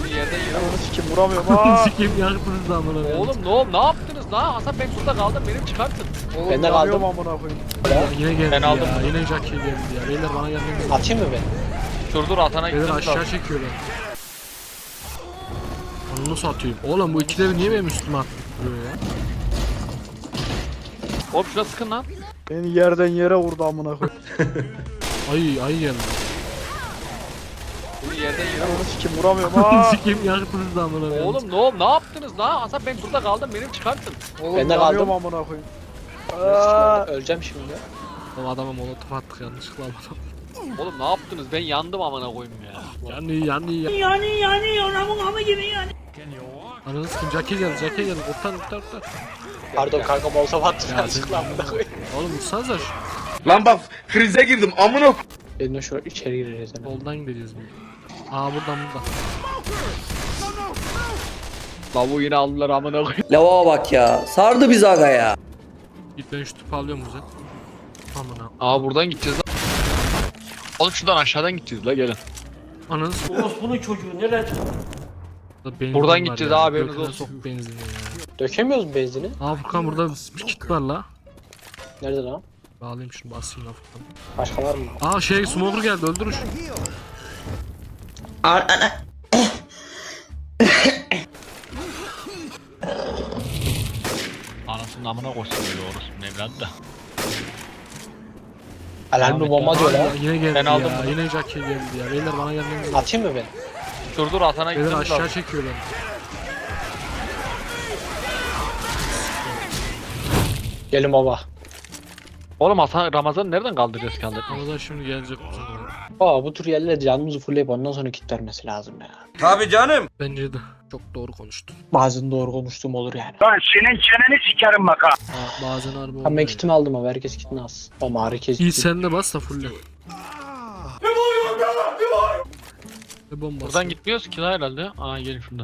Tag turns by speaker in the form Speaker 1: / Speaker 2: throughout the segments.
Speaker 1: Beni yerden yere
Speaker 2: Ananı
Speaker 1: vurdu.
Speaker 2: sikim vuramıyorum ha.
Speaker 3: Sikim yaktınız da amına koyayım.
Speaker 1: Oğlum ne yaptınız lan? Hasan ben burada kaldım, benim çıkartın.
Speaker 2: Oğlum
Speaker 4: Ben de
Speaker 2: yanıyorum
Speaker 4: kaldım.
Speaker 2: amına koyayım.
Speaker 3: Yine geldi
Speaker 1: Ben
Speaker 3: ya.
Speaker 1: aldım.
Speaker 3: Yine Jackie geldi ya. Beyler bana gelmeniz lazım.
Speaker 4: Atayım mı ben?
Speaker 1: Dur Hasan'a
Speaker 3: Beyler
Speaker 1: gitmemiz
Speaker 3: aşağı
Speaker 1: lazım.
Speaker 3: çekiyorlar. Onu nasıl atayım? Oğlum bu ikileri niye benim üstüme attırıyor ya?
Speaker 1: Hop şuna sıkın lan.
Speaker 2: Beni yerden yere vurdu amına koyayım.
Speaker 3: Ay geldi.
Speaker 1: Beni yerden yere vurdu.
Speaker 2: Ananı sikim vuramıyorum ha.
Speaker 3: Sikim yaktınız da amına koyayım.
Speaker 1: Oğlum ne yaptınız lan? Hasan ben burada kaldım, benim çıkartın.
Speaker 2: Oğlum
Speaker 4: Ben de
Speaker 2: yanıyorum
Speaker 4: kaldım.
Speaker 2: amına koyayım.
Speaker 4: Öleceğim şimdi.
Speaker 3: Oğlum adama molotof attık yanlışlıkla adam.
Speaker 1: Oğlum ne yaptınız? Ben yandım amına koyayım ya.
Speaker 3: Yani.
Speaker 5: Yani oramın hamı gibi yani.
Speaker 3: Ananı sikim Jackie geldi. Kurtar.
Speaker 4: Pardon kanka molotov attım
Speaker 3: Ya
Speaker 4: yanlışlıkla amına koyayım.
Speaker 3: Oğlum vursanıza şu.
Speaker 6: Lan bak krize girdim amına.
Speaker 4: Ben de şöyle içeri gireceğiz hemen.
Speaker 3: Soldan gideceğiz biz. Aa buradan.
Speaker 1: Lavuğu yine aldılar amına koyayım.
Speaker 7: Lava bak ya. Sardı bizi aga ya.
Speaker 3: Git ben şu tüpü alıyorum güzel. Amına.
Speaker 1: Aa buradan gideceğiz lan. Oğlum şuradan aşağıdan gideceğiz la gelin.
Speaker 3: Ananı sikim.
Speaker 5: Bunun çocuğu neler?
Speaker 1: Buradan gideceğiz abi, haberiniz
Speaker 3: Göküne
Speaker 1: olsun.
Speaker 3: sok benzini ya.
Speaker 4: Dökemiyoruz mu benzini?
Speaker 3: Aa Furkan burada bir kit var la.
Speaker 4: Nerede lan?
Speaker 3: Bağlayayım şunu basayım la Furkan.
Speaker 4: Başka var mı?
Speaker 3: Aa smoker geldi öldürün şunu.
Speaker 1: Anasının amına koysun böyle orospu evladı da.
Speaker 4: Alarmlı bomba diyor
Speaker 3: Aa,
Speaker 4: lan.
Speaker 3: yine geldi
Speaker 1: Ben aldım
Speaker 3: ya.
Speaker 1: bunu.
Speaker 3: Yine Jackie geldi ya. Beyler bana gelmeniz lazım.
Speaker 4: Atayım mı ben?
Speaker 1: Dur Hasan'a
Speaker 3: Beyler
Speaker 1: gitmemiz
Speaker 3: aşağı
Speaker 1: lazım.
Speaker 3: çekiyorlar.
Speaker 4: Gelin baba.
Speaker 1: Oğlum Hasan Ramazan'ı nereden kaldıracağız kaldır?
Speaker 3: Ramazan şimdi gelecek bu sefer.
Speaker 4: Aa bu tür yerlere canımızı fullleyip ondan sonra kit vermesi lazım ya.
Speaker 6: Tabi canım.
Speaker 3: Bence de. Çok doğru konuştun.
Speaker 4: Bazen doğru konuştuğum olur yani.
Speaker 5: Lan senin çeneni sikerim bak ha.
Speaker 3: Bazen harbi
Speaker 4: Ama ben
Speaker 3: oluyor.
Speaker 4: kitimi aldım abi, herkes kitini alsın. Ama herkes
Speaker 3: İyi
Speaker 4: kit.
Speaker 3: sen de bas da fulle. Ne bombası?
Speaker 1: Buradan gitmiyoruz ki lan herhalde. Aa gelin şuradan.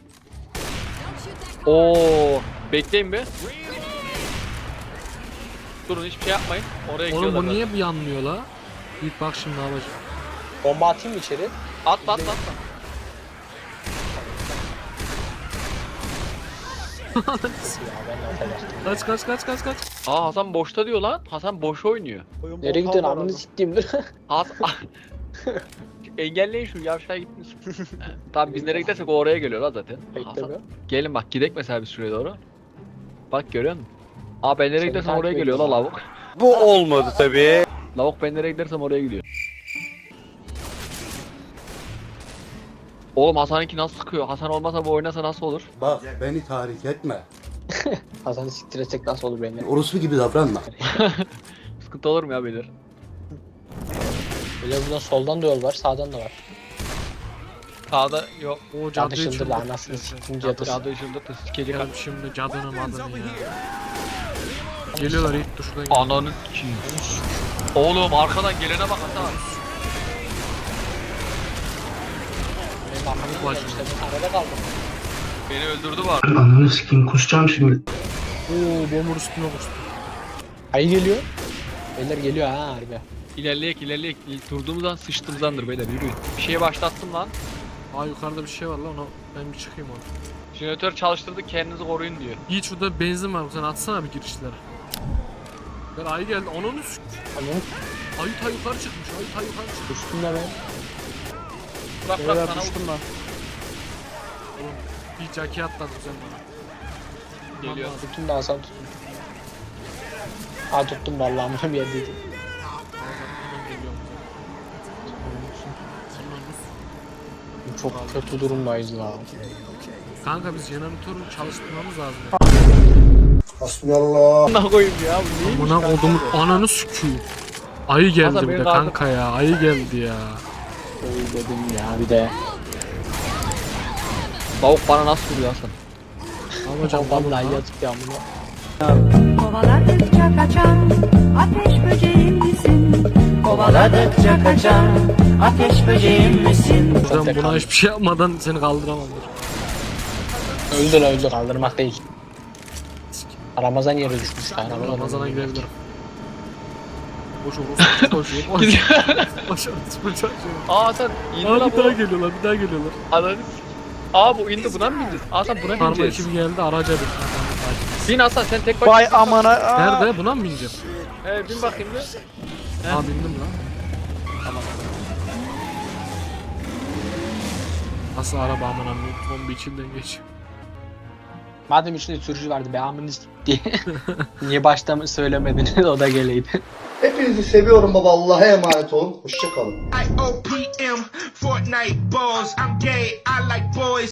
Speaker 1: Oo, bekleyin be. Durun hiçbir şey yapmayın. Oraya
Speaker 3: Oğlum
Speaker 1: gidiyorlar.
Speaker 3: bu niye bir yanmıyor la? Git bak şimdi ne yapacak.
Speaker 4: Bomba atayım mı içeri?
Speaker 1: Atla.
Speaker 4: Ya ben de atacaktım.
Speaker 3: Kaç.
Speaker 1: Aa Hasan boşta diyor lan. Hasan boş oynuyor.
Speaker 2: Oyun
Speaker 4: Nereye
Speaker 2: boktan
Speaker 4: gidiyorsun
Speaker 2: var
Speaker 4: amını
Speaker 2: adam.
Speaker 4: siktiğimdir.
Speaker 1: Hasan... Engelleyin şu yavşağa gitmiş. Tamam biz nereye gidersek o oraya geliyor lan zaten. Hasan,
Speaker 4: Beklemiyor.
Speaker 1: gelin bak gidek mesela bir süre doğru. Bak görüyor musun? Aa ben nereye
Speaker 4: Seni
Speaker 1: gidersem oraya
Speaker 4: takip
Speaker 1: geliyor la
Speaker 4: ediyorum.
Speaker 1: lavuk.
Speaker 6: Bu olmadı tabi.
Speaker 1: Lavuk ben nereye gidersem oraya gidiyor. Oğlum Hasan'ınki nasıl sıkıyor? Hasan olmasa bu oynasa nasıl olur?
Speaker 8: Bak beni tahrik etme.
Speaker 4: Hasan'ı siktir etsek nasıl olur benimle?
Speaker 8: Orospu gibi davranma.
Speaker 1: Sıkıntı olur mu ya beyler?
Speaker 4: Böyle buradan soldan da yol var, sağdan da var.
Speaker 1: Sağda yok.
Speaker 3: O
Speaker 4: Cadı
Speaker 3: cadıyı
Speaker 4: şıldır
Speaker 3: çıldırttı.
Speaker 4: lan anasını siktim cadısı.
Speaker 1: Cadı ışıldı sikecek.
Speaker 3: Gelip şimdi cadının adını ya. Geliyorlar ilk dur şuradan gel.
Speaker 1: Ananı sikeyim. Oğlum arkadan gelene bak Hasan.
Speaker 4: Benim arkamda
Speaker 3: Bacım.
Speaker 4: işte ben arada kaldım.
Speaker 1: Beni öldürdü var.
Speaker 8: Ananı sikeyim kusacağım şimdi.
Speaker 3: Oo bomur üstüne koştu.
Speaker 4: Ayı geliyor. Beyler geliyor ha harbi.
Speaker 1: İlerleyek. Durduğumuz an sıçtığımızdandır beyler yürüyün. Bir şeye başlattım lan.
Speaker 3: Aa yukarıda bir şey var lan ona ben bir çıkayım orada.
Speaker 1: Jeneratör çalıştırdık kendinizi koruyun diyor.
Speaker 3: Yiğit şurada benzin var sen atsana bir girişlere. Ben ayı geldi onun üst.
Speaker 4: Anladın?
Speaker 3: Ayı ta yukarı çıkmış ayı yukarı çıkmış.
Speaker 4: Düştüm de ben.
Speaker 1: Bırak
Speaker 2: Beyler
Speaker 1: sana
Speaker 2: düştüm lan.
Speaker 3: Bir Jackie atladı sen bana.
Speaker 1: geliyor.
Speaker 4: Tuttum da Hasan tuttum. Aa tuttum vallahi amına bir yerdeydim. Çok kötü durumdayız la.
Speaker 3: Kanka biz jeneratörü çalıştırmamız lazım.
Speaker 8: Hasbunallah.
Speaker 1: Ne koyayım ya bu neymiş?
Speaker 3: Buna odumun ananı süküyor. Ayı geldi
Speaker 1: Hasan,
Speaker 3: bir
Speaker 1: beni
Speaker 3: de
Speaker 1: kaldır.
Speaker 3: kanka ya ayı geldi ya.
Speaker 4: Öyle dedim ya bir de.
Speaker 1: Lavuk bana nasıl vuruyor Hasan?
Speaker 3: Alacağım
Speaker 4: Vallahi yazık ya bunu.
Speaker 9: Kovaladıkça kaçan ateş böceğim misin? Kovaladıkça kaçan ateş böceğim misin?
Speaker 3: Ben buna hiçbir şey yapmadan seni kaldıramam.
Speaker 4: Öldü kaldırmak değil. Ramazan yere düşmüş ya.
Speaker 3: Ramazan'a gidebilirim. Boş orospu koşuyor. Boş orospu çocuğu.
Speaker 1: Aa Hasan indi
Speaker 3: Aa
Speaker 1: lan
Speaker 3: bir daha
Speaker 1: bu.
Speaker 3: geliyorlar.
Speaker 1: Ananı Aa bu indi, buna mı bineceğiz? Hasan buna
Speaker 3: Karma
Speaker 1: bineceğiz.
Speaker 3: ekibi geldi araca bin.
Speaker 1: Bin Hasan, sen tek başına.
Speaker 2: Vay amına. Aa.
Speaker 3: Nerede? Buna mı bineceğim?
Speaker 1: Bin bakayım bir.
Speaker 3: Aa bindim lan. Nasıl araba aman aman bomba içinden geçiyor.
Speaker 4: Madem içinde sürücü vardı be amınız diye. Niye başta mı söylemediniz o da geleydi.
Speaker 8: Hepinizi seviyorum baba. Allah'a emanet olun. Hoşçakalın.
Speaker 6: OPM Fortnite balls. I'm gay. I like boys.